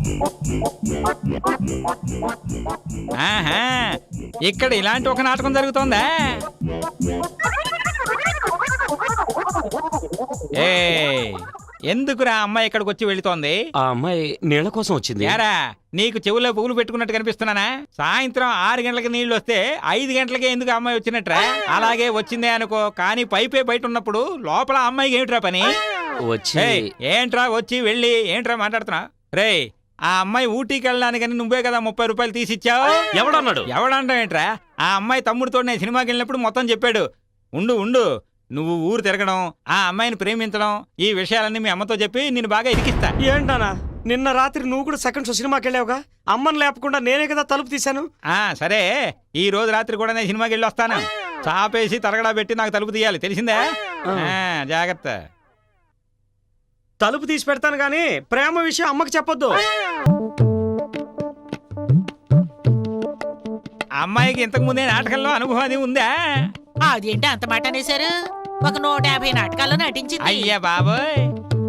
ఆహా, ఇక్కడ ఇలాంటి ఒక నాటకం జరుగుతోందా? ఏ ఎందుకురా అమ్మాయి ఇక్కడికి వచ్చి వెళుతోంది? ఆ అమ్మాయి నీళ్ల కోసం వచ్చింది. యారా, నీకు చెవుల్లో పువ్వులు పెట్టుకున్నట్టు కనిపిస్తున్నానా? సాయంత్రం 6 గంటలకు నీళ్లు వస్తే 5 గంటలకే ఎందుకు అమ్మాయి వచ్చినట్రా? అలాగే వచ్చిందే అనుకో, కానీ పైపే బయట ఉన్నప్పుడు లోపల అమ్మాయికి ఏమిట్రా పని? వచ్చి ఏంట్రా వచ్చి వెళ్ళి ఏంట్రా మాట్లాడుతున్నా? రే, ఆ అమ్మాయి ఊటీకి వెళ్ళడానికని నువ్వే కదా 30 రూపాయలు తీసిచ్చావు. ఎవడన్నాడు? ఎవడంటావు ఏంట్రా? ఆ అమ్మాయి తమ్ముడితో నేను సినిమాకి వెళ్ళినప్పుడు మొత్తం చెప్పాడు. ఉండు నువ్వు ఊరు తిరగడం, ఆ అమ్మాయిని ప్రేమించడం, ఈ విషయాలన్నీ మీ అమ్మతో చెప్పి నేను బాగా ఇరికిస్తా. ఏంటనా, నిన్న రాత్రి నువ్వు కూడా సెకండ్ షో సినిమాకి వెళ్ళావుగా? అమ్మని లేపకుండా నేనే కదా తలుపు తీశాను. సరే, ఈ రోజు రాత్రి కూడా నేను సినిమాకి వెళ్ళి వస్తాను. చాపేసి తరగడా పెట్టి నాకు తలుపు తీయాలి, తెలిసిందే? జాగ్రత్త. తలుపు తీసి పెడతాను గానీ ప్రేమ విషయం అమ్మకి చెప్పొద్దు. అమ్మాయికి ఇంతకు ముందే నాటకంలో అనుభవం అది ఉందా? అదేంటి అంత మాట అనేశారు? ఒక 150 నాటకాల్లో నటించింది. అయ్యా బాబోయ్.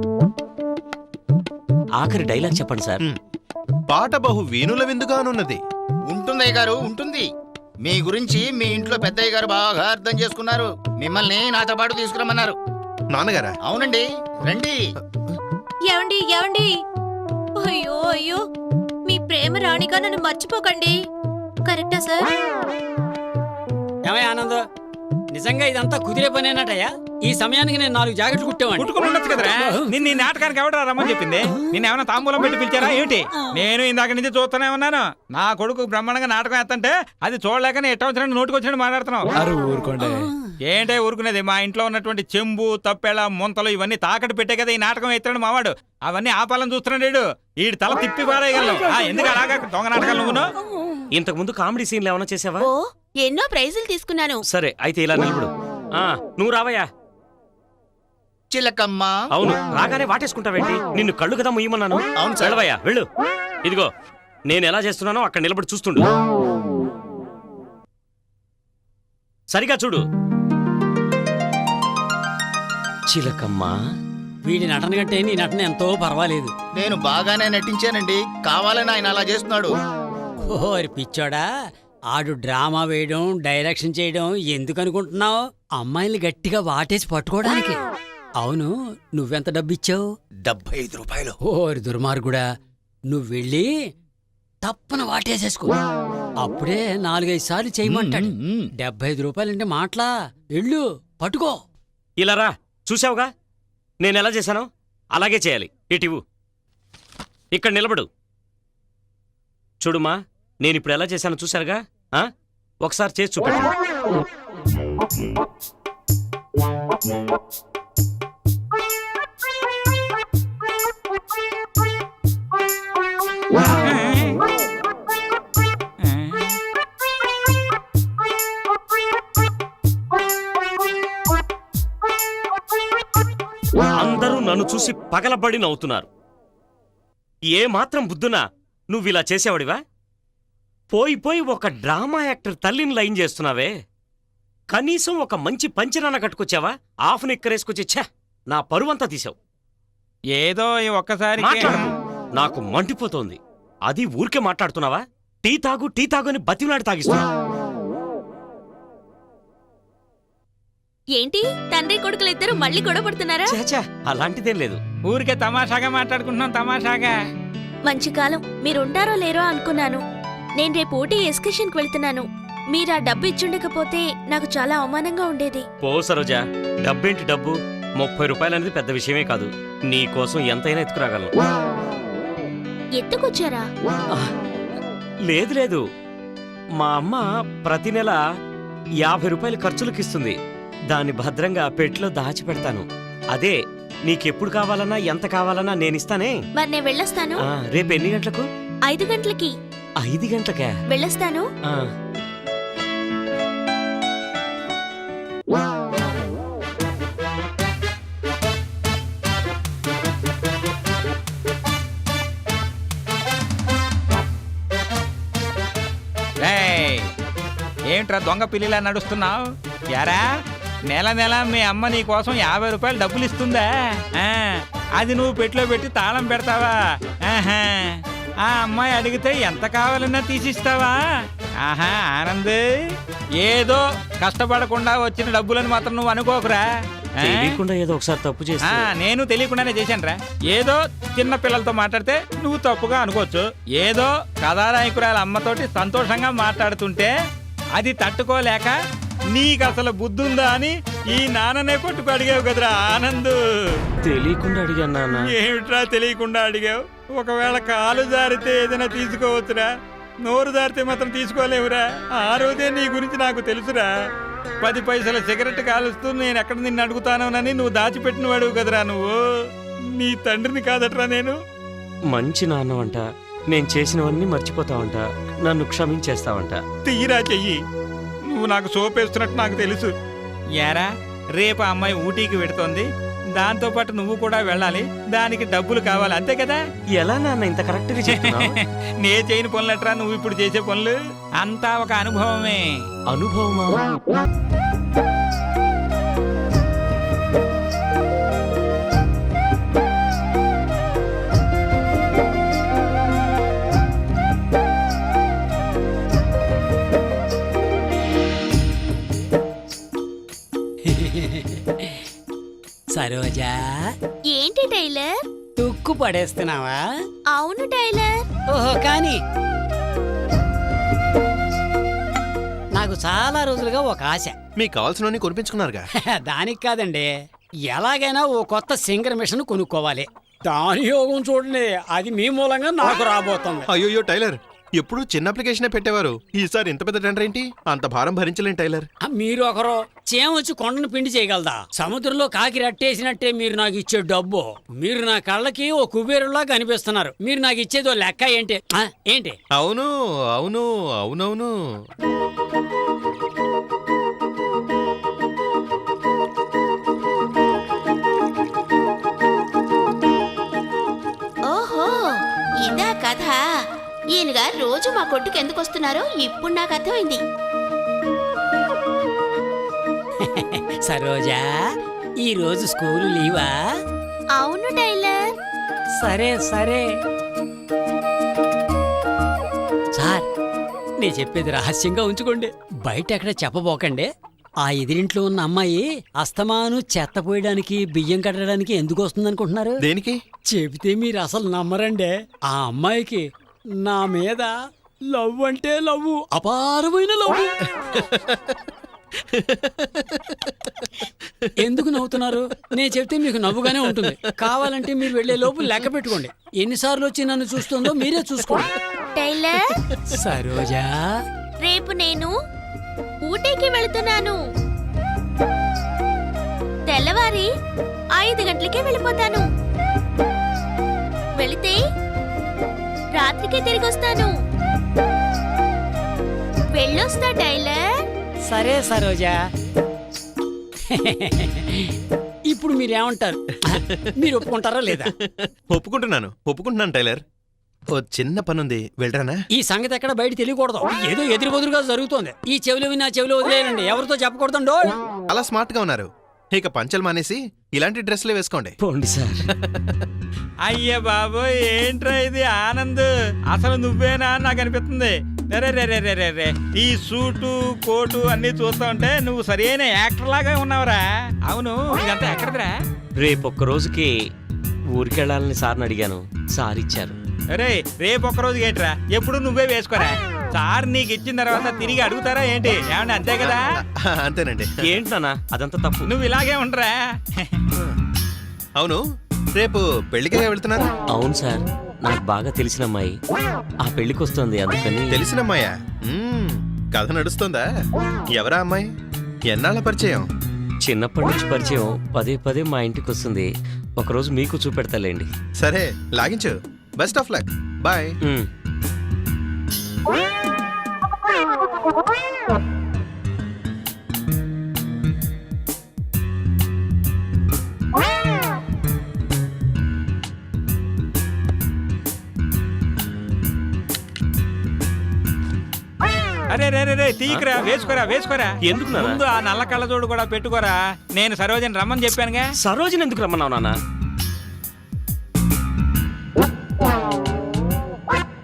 ఆఖరి డైలాగ్ చెప్పండి సార్. పాట బహు వీణుల విందుగానున్నది. ఉంటుందయ్య గారు, ఉంటుంది. మీ గురించి మీ ఇంట్లో పెద్దయ్య గారు బాగా అర్థం చేసుకున్నారు. మిమ్మల్ని నాతో పాటు తీసుకురమ్మన్నారు. నాన్నగారా? అవునండి, రండి. ఏవండి ఏవండి, అయ్యో అయ్యో, మీ ప్రేమ రాణిగా నన్ను మర్చిపోకండి. కరెక్టా సార్? ఏమయ్య ఆనంద్, నిజంగా ఇదంతా కుదిరే పనేనటయ్యా? ఈ సమయానికి నేను 4 జాకెట్లు కుట్టేవాడిని. కుట్టుకుని ఉండొచ్చు కదరా. నిన్న ఈ నాటకానికి ఎవడరా రమ్మని చెప్పింది? నిన్నేమన్నా తాంబూలం పెట్టి పిలిచారా ఏమిటి? నేను ఇందాక నుంచి చూస్తూనే ఉన్నాను. నా కొడుకు బ్రహ్మాండంగా నాటకం వేస్తంటే అది చూడలేకనే ఎట్ట వచ్చినట్టు నోటికి వచ్చినట్టు మాట్లాడుతున్నావు. ఊరుకోండి. ఏంటే ఊరుకునేది? మా ఇంట్లో ఉన్నటువంటి చెంబు, తప్పెళ, ముంతలు ఇవన్నీ తాకట్టు పెట్టే కదా ఈ నాటకం ఎత్తాడు మావాడు. అవన్నీ ఆపాలని చూస్తున్నాడు. ఈ తల తిప్పి పారేయగలను. ఎందుకు అలాగా దొంగ నాటకాలు నువ్వును? ఇంతకు ముందు కామెడీ సీన్లు ఏమైనా చేసావా? ఓ, ఎన్నో ప్రైజులు తీసుకున్నాను. సరే అయితే ఇలా నిలబడు. నువ్వు రావయ్యా. చిలకమ్మ. అవును, రాగానే వాటేసుకుంటావేంటి? నిన్ను కళ్ళు కదా ముయ్యమన్నాను. అవును సార్. వెళ్ళవయ్యా, వెళ్ళు. ఇదిగో నేను ఎలా చేస్తున్నానో అక్కడ నిలబడి చూస్తుండు. సరిగా చూడు. చిలకమ్మ. వీడి నటన కంటే నీ నటన ఎంతో పర్వాలేదు. నేను బాగానే నటించానండి, కావాలని ఆయన అలా చేస్తున్నాడు. ఓరి పిచ్చోడా, ఆడు డ్రామా వేయడం, డైరెక్షన్ చేయడం ఎందుకు అనుకుంటున్నావు? అమ్మాయిని గట్టిగా వాటేసి పట్టుకోవడానికి. అవును, నువ్వెంత డబ్బిచ్చావు? 75 రూపాయలు. ఓరి దుర్మార్గుడా, నువ్వు వెళ్ళి తప్పన వాటేసేసుకో. అప్పుడే 4-5 సార్లు చేయమంటాడు. 75 రూపాయలంటే మాటలా? వెళ్ళు పట్టుకో. ఇలా రా, చూసావుగా నేను ఎలా చేశానో అలాగే చేయాలి. ఇటివు, ఇక్కడ నిలబడు. చూడుమా, నేనిప్పుడు ఎలా చేశానో చూశారుగా? ఒకసారి చేసి చూపెట్టు. అందరూ నన్ను చూసి పగలబడి నవ్వుతున్నారు. ఏ మాత్రం బుద్ధునా నువ్విలా చేసేవాడివా? పోయి ఒక డ్రామా యాక్టర్ తల్లిని లైన్ చేస్తున్నావే. కనీసం ఒక మంచి పంచనాన్న కట్టుకొచ్చావా? ఆఫ్ నిక్కరేసుకొచ్చి ఛ, నా పరువంతా తీసావు. ఏదో ఈ ఒక్కసారి మాట్లాడకు, నాకు మండిపోతోంది. అది ఊరికే మాట్లాడుతున్నావా? టీ తాగు అని బతిలాడి తాగిస్తున్నావు. ఏంటి, తండ్రి కొడుకులిద్దరూ మళ్ళీ గొడవపడుతున్నారా? చాచా, అలాంటిదేం లేదు. ఊరికే తమాషాగా మాట్లాడుకుంటున్నాం, తమాషాగా. మంచి కాలం, మీరుంటారో లేరో అనుకున్నాను. నేను రేపు ఊటీ ఎక్స్కర్షన్కి వెళ్తున్నాను. మీరు ఆ డబ్బు ఇచ్చుండకపోతే నాకు చాలా అవమానంగా ఉండేది. పో సరోజా, డబ్బేంటి డబ్బు? 30 రూపాయలనేది పెద్ద విషయమే కాదు. నీ కోసం ఎంతైనా ఎత్తుకురాగలను. ఎత్తుకొచ్చారా? లేదు, మా అమ్మ ప్రతి నెల 50 రూపాయలు ఖర్చులకిస్తుంది. దాన్ని భద్రంగా పెట్టులో దాచిపెడతాను. అదే నీకెప్పుడు కావాలన్నా ఎంత కావాలన్నా నేనిస్తానే. మరి నేను వెళ్ళొస్తాను. రేపు ఎన్ని గంటలకు? 5 గంటలకి. 5 గంటలకా? వెళ్ళొస్తాను. ఏంట్రా దొంగ పిల్లిలా నడుస్తున్నావు? యారా, నెల మీ అమ్మ నీ కోసం 50 రూపాయలు డబ్బులు ఇస్తుందా? అది నువ్వు పెట్టులో పెట్టి తాళం పెడతావా? ఆ అమ్మాయి అడిగితే ఎంత కావాలన్నా తీసిస్తావా? ఆహా ఆనంద్, ఏదో కష్టపడకుండా వచ్చిన డబ్బులను మాత్రం నువ్వు అనుకోకురా. తెలియకుండా ఏదో ఒకసారి తప్పు చేస్తే నేను తెలియకుండానే చేశానురా. ఏదో చిన్న పిల్లలతో మాట్లాడితే నువ్వు తప్పుగా అనుకోవచ్చు. ఏదో కథానాయకురాల అమ్మతోటి సంతోషంగా మాట్లాడుతుంటే అది తట్టుకోలేక నీకు అసలు బుద్ధుందా అని ఈ నాన్ననే కొట్టుకు అడిగావు కదరా ఆనంద్. తెలియకుండా అడిగాను నాన్న. ఏమిట్రా తెలియకుండా అడిగావు? ఒకవేళ కాలు జారితే ఏదైనా తీసుకోవచ్చురా, నోరు జారితే మాత్రం తీసుకోలేవురా. ఆ రోజే నీ గురించి నాకు తెలుసురా. 10 పైసల సిగరెట్ కాలుస్తూ నేను ఎక్కడ నిన్ను అడుగుతానోనని నువ్వు దాచిపెట్టిన వాడువు కదరా నువ్వు. నీ తండ్రిని కాదట్రా నేను. మంచి నాన్నవంట, నేను చేసినవన్నీ మర్చిపోతావంట, నన్ను క్షమించేస్తావంట. తీరా చెయ్యి. నువ్వు నాకు సోపేస్తున్నట్టు నాకు తెలుసు. యారా, రేపు ఆ అమ్మాయి ఊటీకి వెడుతోంది, దాంతో పాటు నువ్వు కూడా వెళ్ళాలి. దానికి డబ్బులు కావాలి, అంతే కదా? ఎలా నాన్న ఇంత కరెక్ట్ గా చెప్తున్నావు? నే చేయని పనులట్రా నువ్వు ఇప్పుడు చేసే పనులు. అంతా ఒక అనుభవమే. అనుభవమా? సరోజా, ఏంటి టైలర్? తుక్కు పడేస్తున్నావా? అవును టైలర్. ఓహో, కానీ నాకు చాలా రోజులుగా ఒక ఆశ. మీకు కావాల్సినవన్నీ కొనిపించుకున్నారుగా. దానికి కాదండి, ఎలాగైనా ఓ కొత్త సింగర్ మిషన్ కొనుక్కోవాలి. దాని యోగం చూడండి, అది మీ మూలంగా నాకు రాబోతుంది. అయ్యోయ్యో టైలర్, ఎప్పుడు చిన్న అప్లికేషనే పెట్టేవారు, ఈసారి ఇంత పెద్ద టెండర్ ఏంటి? అంత భారం భరించలేం టైలర్. మీరు ఒకరు చేమొచ్చి కొండను పిండి చేయగలదా? సముద్రంలో కాకి రట్టేసినట్టే మీరు నాకు ఇచ్చే డబ్బు. మీరు నా కళ్ళకి ఓ కుబేరులా కనిపిస్తున్నారు. మీరు నాకు ఇచ్చేదో లెక్క ఏంటి? ఏంటి? అవును అవును అవునవును. ఓహో, ఇదా కథ. ఈయన గారు రోజు మా కొట్టుకు ఎందుకు వస్తున్నారో ఇప్పుడు నాకు అర్థమైంది. సరోజా, ఈ రోజు స్కూలు లీవా? అవును టైలర్. సరే సరే. సార్, నేను చెప్పేది రహస్యంగా ఉంచుకోండి, బయట ఎక్కడ చెప్పబోకండి. ఆ ఎదిరింట్లో ఉన్న అమ్మాయి అస్తమాను చెత్త పోయడానికి, బియ్యం కట్టడానికి ఎందుకు వస్తుందనుకుంటున్నారు? దేనికి? చెబితే మీరు అసలు నమ్మరండి. ఆ అమ్మాయికి నా మీద లవ్ అంటే లవ్, అపారమైన లవ్. ఎందుకు నవ్వుతున్నారు? నేను చెప్తే మీకు నవ్వుగానే ఉంటుంది. కావాలంటే మీరు వెళ్లే లోపు లెక్క పెట్టుకోండి. ఎన్నిసార్లు వచ్చి నన్ను చూస్తుందో మీరే చూసుకోండి. టైలర్, సరోజా, రేపు నేను ఊటీకి వెళుతున్నాను. తెల్లవారి 5 గంటలకే వెళ్ళిపోతాను. వెళితే రాత్రికి తిరిగి వస్తాను. వెళ్ళొస్తా టైలర్. సరే సరోజా. ఇప్పుడు మీరేమంటారు? మీరు ఒప్పుకుంటారా లేదా? ఒప్పుకుంటున్నాను టైలర్. ఓ చిన్న పనుంది, వెళ్ళరానా? ఈ సంగతి ఎక్కడ బయట తెలియకూడదు. ఏదో ఎదురు బదురుగా జరుగుతోంది. ఈ చెవిలో విన్నా చెవిలో వదిలేయండి, ఎవరితో చెప్పకూడదండో. అలా స్మార్ట్ గా ఉన్నారు. ఇక పంచలు మానేసి ఇలాంటి డ్రెస్లే వేసుకోండి. పోండి సార్. అయ్య బాబు, ఏంట్రా ఇది ఆనంద్? అసలు నువ్వేనా అని నాకు అనిపిస్తుంది. రే రే రే రే రే రే, ఈ సూటు కోటు అన్ని చూస్తా ఉంటే నువ్వు సరైన యాక్టర్ లాగా ఉన్నావురా. అవును, ఇదంతా ఎక్కడదిరా? రేపొక్క రోజుకి ఊరికెళ్ళాలని సార్ని అడిగాను, సార్ ఇచ్చారు. అరే, రేపు ఒక్క రోజు ఏంట్రా, ఎప్పుడు నువ్వే వేసుకోరా. సార్ నీకు ఇచ్చిన తర్వాత తిరిగి అడుగుతారా ఏంటి? ఏమన్నా అంతే కదా? అంతేనండి. ఏంటి నాన్న అదంతా తప్పు. నువ్వు ఇలాగే ఉండరా. అవును, రేపు పెళ్లికే వెళ్తున్నారు? అవును సార్, నాకు బాగా తెలిసిన అమ్మాయి ఆ పెళ్లికి వస్తుంది, అందుకని. తెలిసినమ్మాయా? కథ నడుస్తుందా? ఎవరా అమ్మాయి? ఎన్నాళ్ళ పరిచయం? చిన్నప్పటి నుంచి పరిచయం, పదే పదే మా ఇంటికి వస్తుంది. ఒకరోజు మీకు చూపెడతాలేండి. సరే, లాగించు. Best of luck. బాయ్. అరే రే రే రే, తీయకురా, వేసుకోరా. ఎందుకు నాన్న? ముందు ఆ నల్ల కళ్ళజోడు కూడా పెట్టుకోరా. నేను సరోజని రమ్మని చెప్పానుగా. సరోజని ఎందుకు రమ్మన్నావు నాన్న?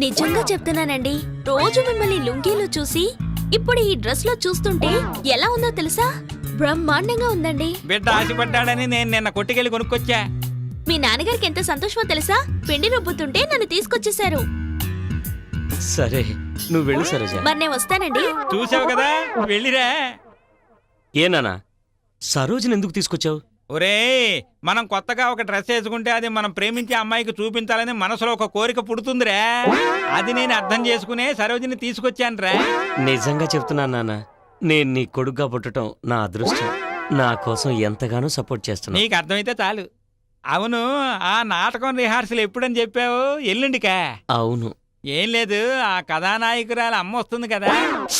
నిజంగా చెప్తున్నానండి, రోజు మిమ్మల్ని లుంగీలో చూసి ఇప్పుడు ఈ డ్రెస్ లో చూస్తుంటే ఎలా ఉందో తెలుసా? బ్రహ్మాండంగా ఉందండి. బిడ్డ ఆశపడ్డాడని నేను నిన్న కొట్టుకెళ్ళి కొనుక్కొచ్చా. మీ నాన్నగారికి ఎంత సంతోషమో తెలుసా? పిండి రుబ్బుతుంటే నన్ను తీసుకొచ్చేశారు. సరే నువ్వు వెళ్ళు సరోజ. మరి నేను వస్తానండి. చూసావు కదా, వెళ్ళిరా. ఏనానా సరోజని ఎందుకు తీసుకొచ్చావు? ఒరే, మనం కొత్తగా ఒక డ్రెస్ వేసుకుంటే అది మనం ప్రేమించే అమ్మాయికి చూపించాలని మనసులో ఒక కోరిక పుడుతుందిరా. అది నేను అర్థం చేసుకునే సరోజిని తీసుకొచ్చానురా. నిజంగా చెప్తున్నాను నాన్న, నేను నీ కొడుగ్గా పుట్టడం నా అదృష్టం. నా కోసం ఎంతగానో సపోర్ట్ చేస్తున్నా. నీకు అర్థమైతే చాలు. అవును, ఆ నాటకం రిహార్సల్ ఎప్పుడని చెప్పావు? ఎల్లుండికా? అవును. ఏం లేదు, ఆ కథానాయకురాలు అమ్మ వస్తుంది కదా.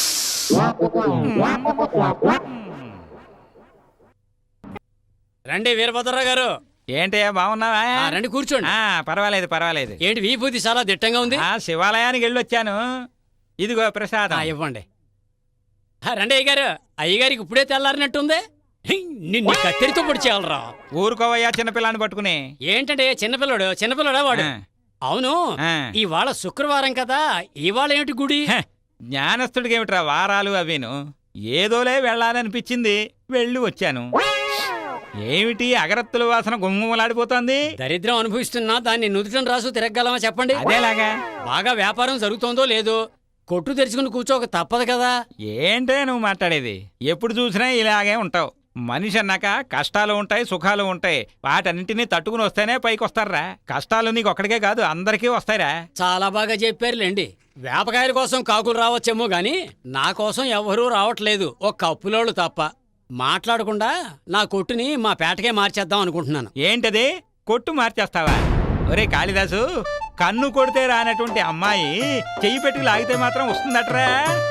రండి వీరభద్రరావు గారు. ఏంటయ్యా, బాగున్నావా? రండి కూర్చోండి. పర్వాలేదు పర్వాలేదు. ఏంటి విభూతి చాలా దిట్టంగా ఉంది? శివాలయానికి వెళ్ళొచ్చాను. ఇదిగో ప్రసాదం. ఇవ్వండి. రండి అయ్యగారు. అయ్యగారికి ఇప్పుడే తెల్లారినట్టుంది. నిన్ను కత్తిరితో పొడి చేయాలరా. ఊరుకోవయ్యా, చిన్నపిల్లాన్ని పట్టుకుని. ఏంటంటే చిన్నపిల్లడా వాడు? అవును, ఇవాళ శుక్రవారం కదా, ఇవాళ ఏమిటి గుడి? జ్ఞానస్తుడికి ఏమిట్రా వారాలు అవిను. ఏదోలే వెళ్ళాలనిపించింది, వెళ్ళి వచ్చాను. ఏమిటి అగరత్తుల వాసన గుమ్మలాడిపోతుంది? దరిద్రం అనుభవిస్తున్నా దాన్ని నుదుటం రాసు తిరగలమా చెప్పండి. అదేలాగా బాగా వ్యాపారం జరుగుతోందో లేదో కొట్టు తెరుచుకుని కూర్చోక తప్పదు కదా. ఏంటే నువ్వు మాట్లాడేది? ఎప్పుడు చూసినా ఇలాగే ఉంటావు. మనిషి అన్నాక కష్టాలు ఉంటాయి, సుఖాలు ఉంటాయి. వాటన్నింటినీ తట్టుకుని వస్తేనే పైకి వస్తారా. కష్టాలు నీకు ఒక్కడికే కాదు, అందరికీ వస్తాయిరా. చాలా బాగా చెప్పారులేండి. వేపకాయల కోసం కాకులు రావచ్చేమో గాని నా కోసం ఎవరూ రావట్లేదు, ఒక కప్పులోళ్ళు తప్ప. మాట్లాడకుండా నా కొట్టుని మా పేటకే మార్చేద్దాం అనుకుంటున్నాను. ఏంటది? కొట్టు మార్చేస్తావా? ఒరే కాళిదాసు, కన్ను కొడితే రానటువంటి అమ్మాయి చెయ్యి పెట్టుకు లాగితే మాత్రం వస్తుందట్రా.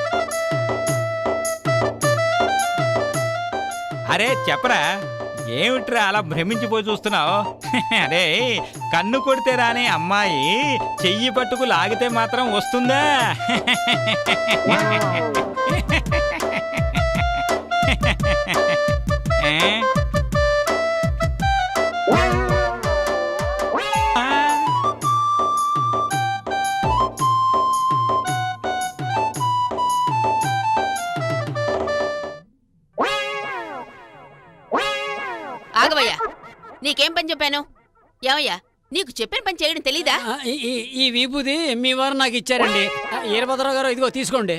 అరే చెప్పరా, ఏమిట్రా అలా భ్రమించిపోయి చూస్తున్నావు? అరే, కన్ను కొడితే రాని అమ్మాయి చెయ్యి పట్టుకు లాగితే మాత్రం వస్తుందా? ఆగవయ్యా, నీకేం పని చెప్పాను? ఏమయ్యా, నీకు చెప్పిన పని చేయడం తెలీదా? ఈ విభూది మీ వారు నాకు ఇచ్చారండి. వీరభద్రరావు గారు, ఇదిగో తీసుకోండి.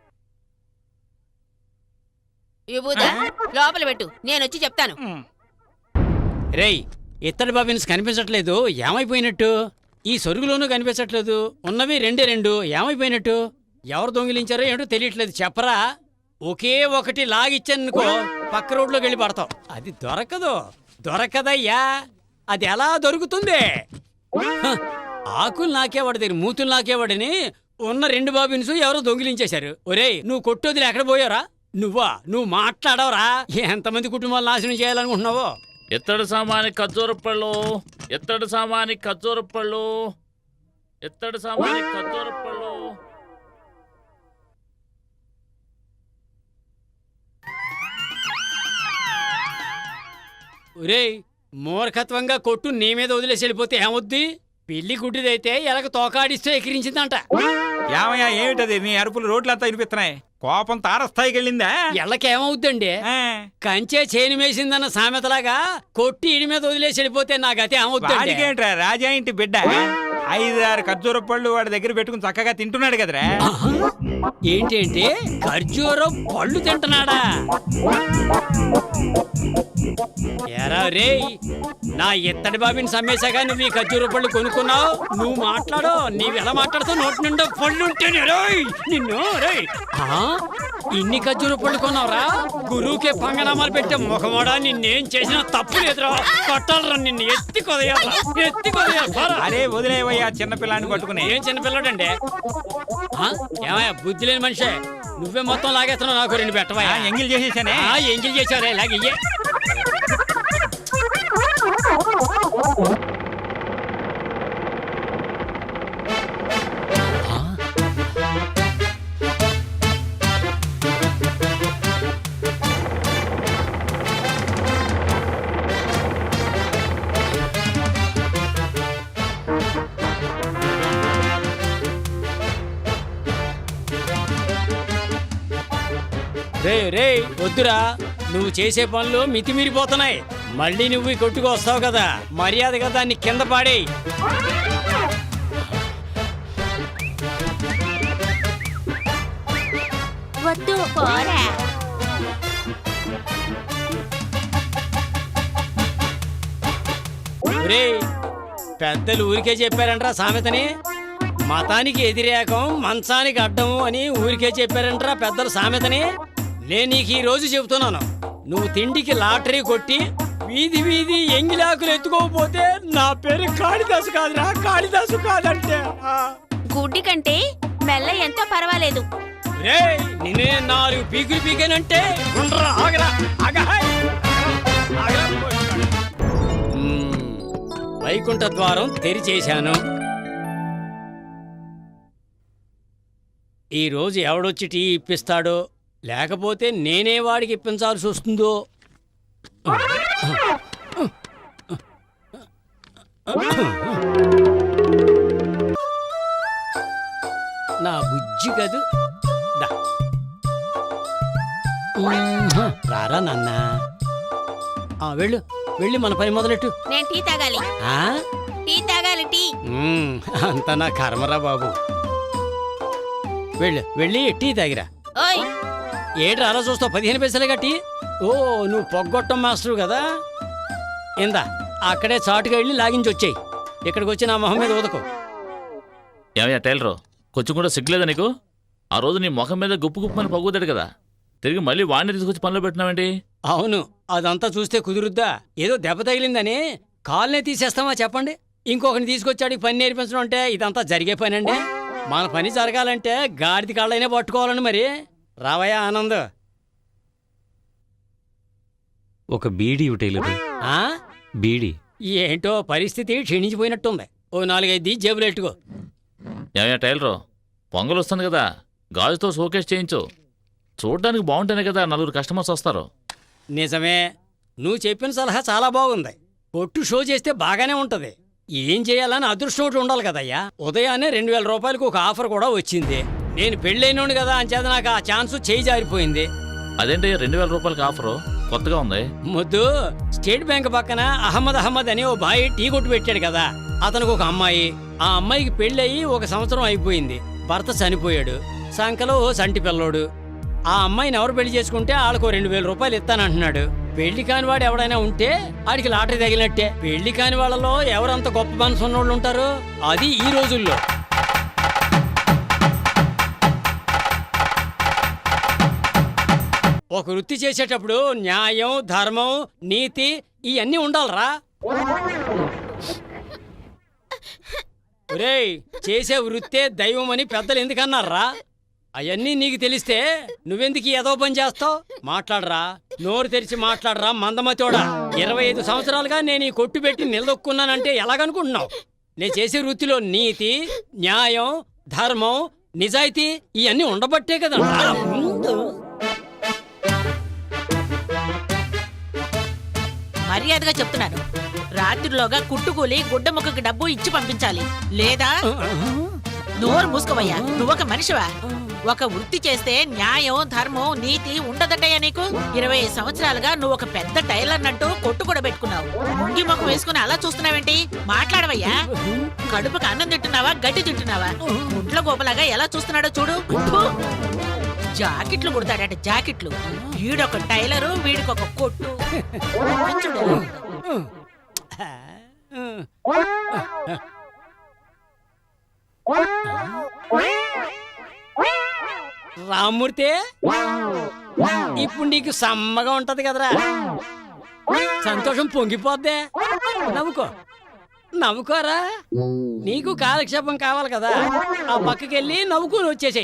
విభూదా, లోపల పెట్టు, నేను వచ్చి చెప్తాను. రేయ్, ఇత్తడి బాబిన్స్ కనిపించట్లేదు, ఏమైపోయినట్టు? ఈ సొరుగులోనూ కనిపించట్లేదు, ఉన్నవి రెండు ఏమైపోయినట్టు? ఎవరు దొంగిలించారో ఏంటో తెలియట్లేదు, చెప్పరా. ఒకే ఒకటి లాగిచ్చానుకో పక్క రోడ్లోకి వెళ్ళి పడతావు. అది దొరకదయ్యా. అది ఎలా దొరుకుతుంది? ఆకులు నాకేవాడు దగ్గర మూతులు నాకేవాడని ఉన్న 2 బాబిన్స్ ఎవరో దొంగిలించేశారు. ఒరేయ్, నువ్వు కొట్టొదిలే ఎక్కడ పోయారా? నువ్వు మాట్లాడవరా? ఎంతమంది కుటుంబాలు నాశనం చేయాలనుకుంటున్నావో? ఎత్తడి సామాని ఖర్జూరపళ్ళు, ఎత్తడి సామాని ఖర్జూరపళ్ళు, ఎత్తడి సామాని ఖర్జూరపళ్ళు. ఒరేయ్, మూర్ఖత్వంగా కొట్టు నీ మీద వదిలేసి వెళ్ళిపోతే ఏమొద్ది? పిల్లి గుడ్డిదైతే ఎలాగ తోకాడిస్తే ఎకిరించిందంట. ఏమయ్యా, ఏమిటది? నీ అరుపులు రోడ్లంతా వినిపిస్తున్నాయి. కోపం తారస్థాయికి వెళ్ళిందా? ఎళ్ళకేమవుద్దండి? కంచే చేను మేసిందన్న సామెతలాగా కొట్టి ఇడి మీద వదిలేసి వెళ్ళిపోతే నా గతి ఏమవుద్దండి? ఏంట్రా, రాజా ఇంటి బిడ్డ 5-6 ఖర్జూర పళ్ళు వాడి దగ్గర పెట్టుకుని చక్కగా తింటున్నాడు కదరా. ఏంటేంటి, ఖర్జూరం పళ్ళు తింటున్నాడా? ఎరా రేయ్, నా ఇత్తడి బాబిని సమ్మేశాగా నువ్వు ఈ ఖర్జూర పళ్ళు కొనుక్కున్నావు. నువ్వు మాట్లాడు, నీవు ఎలా మాట్లాడుతావు? నోటి నిండా పళ్ళు ఉంటేనే రోయ్ నిన్ను. రేయ్, ఇన్ని ఖర్జూర పళ్ళు కొన్నావురా? గురువుకే పంగనామాలు పెట్టే ముఖమోడా, నిన్నేం చేసినా తప్పు లేదురా. కొట్టాలరా నిన్ను, ఎత్తి కొదయాలి. అరే వదిలేవయ్యా, చిన్నపిల్లాన్ని పట్టుకుని. ఏం చిన్నపిల్లడండి? ఏమయ్యా, బుద్ధి లేని మనిషే, నువ్వే మొత్తం లాగేస్తున్నావు. నాకు 2 పెట్టవా? ఎంగిల్ చేసేసానే. ఎంగిల్ చేసావురా, ఇలాగయ్యే. రే రే వద్దురా, నువ్వు చేసే పనులు మితిమీరిపోతున్నాయి. మళ్ళీ నువ్వు ఈ కొట్టుకు వస్తావు కదా, మర్యాదగా దాన్ని కింద పాడేయ్. వద్దు. పోరా. ఒరేయ్, పెద్దలు ఊరికే చెప్పారంట్రా సామెతని. మతానికి ఎదిరేకం మంచానికి అడ్డము అని ఊరికే చెప్పారంట్రా పెద్దలు సామెతని. నేను నీకు ఈ రోజు చెబుతున్నాను, నువ్వు తిండికి లాటరీ కొట్టి వీధి వీధి ఎంగిలాకులు ఎత్తుకోకపోతే నా పేరు కాళిదాసు కాదురా, కాళిదాసు కాదంటే. గుడ్డి కంటే మెల్ల ఎంతో పర్వాలేదు. రేయ్, నిన్నే 4 పీకులు పీకానంటే గుండ్రా, ఆగరా, ఆగహాయ్, ఆగరా. వైకుంఠ ద్వారం తెరిచేశాను. ఈ రోజు ఎవడొచ్చి టీ ఇప్పిస్తాడో, లేకపోతే నేనే వాడికి ఇప్పించాల్సి వస్తుందో. నా బుజ్జి కదూ. దా. రారా నాన్న. వెళ్ళు వెళ్ళి మన పని మొదలెట్టు. నేను టీ తాగాలి. ఆ? టీ తాగాలి, టీ. అంత నా కర్మరా బాబు. వెళ్ళి టీ తాగిరా. ఓయ్, ఏడు అలా చూస్తావు, 15 పైసలుగా టీ. ఓ, నువ్వు పొగ్గొట్టం మాస్టరు కదా. ఇందా, అక్కడే చాటుగా వెళ్ళి లాగించి వచ్చేయి. ఇక్కడికి వచ్చి నా మొహం మీద ఊదకు. ఏమయ్యా టైలరు, కొంచెం కూడా సిగ్గులేదా నీకు? ఆ రోజు నీ ముఖం మీద గుప్పు గుప్పని పగుతాడు కదా, తిరిగి మళ్ళీ వాడిని తీసుకొచ్చి పనిలో పెట్టినావేంటి? అవును, అదంతా చూస్తే కుదురుద్దా? ఏదో దెబ్బ తగిలిందని కాల్నే తీసేస్తామా చెప్పండి? ఇంకొకరిని తీసుకొచ్చాడు పని నేర్పించడం అంటే ఇదంతా జరిగే పని అండి? మన పని జరగాలంటే గాడిది కాళ్ళైనా పట్టుకోవాలని మరి. రావయ్యా ఆనంద్. ఒక బీడీ టైలరు. ఆ? బీడీ. ఏంటో పరిస్థితి క్షీణించిపోయినట్టుంది. ఓ 4-5 జేబులు ఎట్టుకో. ఏమయ్యా టైలరు, పొంగల్ వస్తుంది కదా, గాజుతో షోకేస్ చేయించు. చూడడానికి బాగుంటేనే కదా 4 కస్టమర్స్ వస్తారు. నిజమే, నువ్వు చెప్పిన సలహా చాలా బాగుంది. కొట్టు షో చేస్తే బాగానే ఉంటది. ఏం చేయాలని అదృష్టం ఒకటి ఉండాలి కదయ్యా. ఉదయాన్నే 2000 రూపాయలకు ఒక ఆఫర్ కూడా వచ్చింది. నేను పెళ్ళైనోడు కదా, అంచేత నాకు ఆ ఛాన్స్ చేయి జారిపోయింది. అదేంటయ్యా 2000 రూపాయలకి ఆఫరు, కొత్తగా ఉంది. ముద్దు, స్టేట్ బ్యాంక్ పక్కన అహ్మద్ అని ఓ బాయ్ టీ కొట్టు పెట్టాడు కదా, అతనికి ఒక అమ్మాయి. ఆ అమ్మాయికి పెళ్ళయి 1 సంవత్సరం అయిపోయింది. భర్త చనిపోయాడు. సంకలో ఓ సంటి పిల్లోడు. ఆ అమ్మాయిని ఎవరు పెళ్లి చేసుకుంటే వాళ్ళకు 2000 రూపాయలు ఇస్తానంటున్నాడు. పెళ్లి కాని వాడు ఎవడైనా ఉంటే ఆడికి లాటరీ తగిలినట్టే. పెళ్లి కాని వాళ్ళలో ఎవరంత గొప్ప మనసు ఉన్నోళ్ళు ఉంటారు? అది ఈ రోజుల్లో. ఒక వృత్తి చేసేటప్పుడు న్యాయం, ధర్మం, నీతి ఇవన్నీ ఉండాలరా. ఒరేయ్, చేసే వృత్తే దైవం అని పెద్దలు ఎందుకన్నారా? అవన్నీ నీకు తెలిస్తే నువ్వెందుకు ఏదో పని చేస్తావు? మాట్లాడరా, నోరు తెరిచి మాట్లాడరా మందమతోడా. 25 సంవత్సరాలుగా నేను ఈ కొట్టు పెట్టి నిలదొక్కున్నానంటే ఎలాగనుకుంటున్నావు? నేను చేసే వృత్తిలో నీతి, న్యాయం, ధర్మం, నిజాయితీ ఇవన్నీ ఉండబట్టే కదా. మర్యాదగా చెప్తున్నాను, రాత్రిలోగా కుట్టుకూలి గుడ్డ ముక్కకి డబ్బు ఇచ్చి పంపించాలి. లేదా నోరు మూసుకోవయ్యా. నువ్వొక మనిషివా? ఒక వృత్తి చేస్తే న్యాయం, ధర్మం, నీతి ఉండదటయ్యా నీకు. 20 సంవత్సరాలుగా నువ్వు ఒక పెద్ద టైలర్ అంటూ కొట్టు కూడా పెట్టుకున్నావు. ముంగి ముఖం వేసుకుని అలా చూస్తున్నావేంటి? మాట్లాడవయ్యా. కడుపుకి అన్నం తింటున్నావా, గడ్డి తింటున్నావా? గుడ్ల గోపలాగా ఎలా చూస్తున్నాడో చూడు. జాకెట్లు కుడతాడట, జాకెట్లు. వీడొక టైలరు, వీడికొక కొట్టు. రామ్మూర్తి, ఇప్పుడు నీకు సమ్మగా ఉంటది కదరా, సంతోషం పొంగిపోద్దే. నవ్వుకోరా. నీకు కాలక్షేపం కావాలి కదా, ఆ పక్కకెళ్ళి నవ్వుకుని వచ్చేసాయి.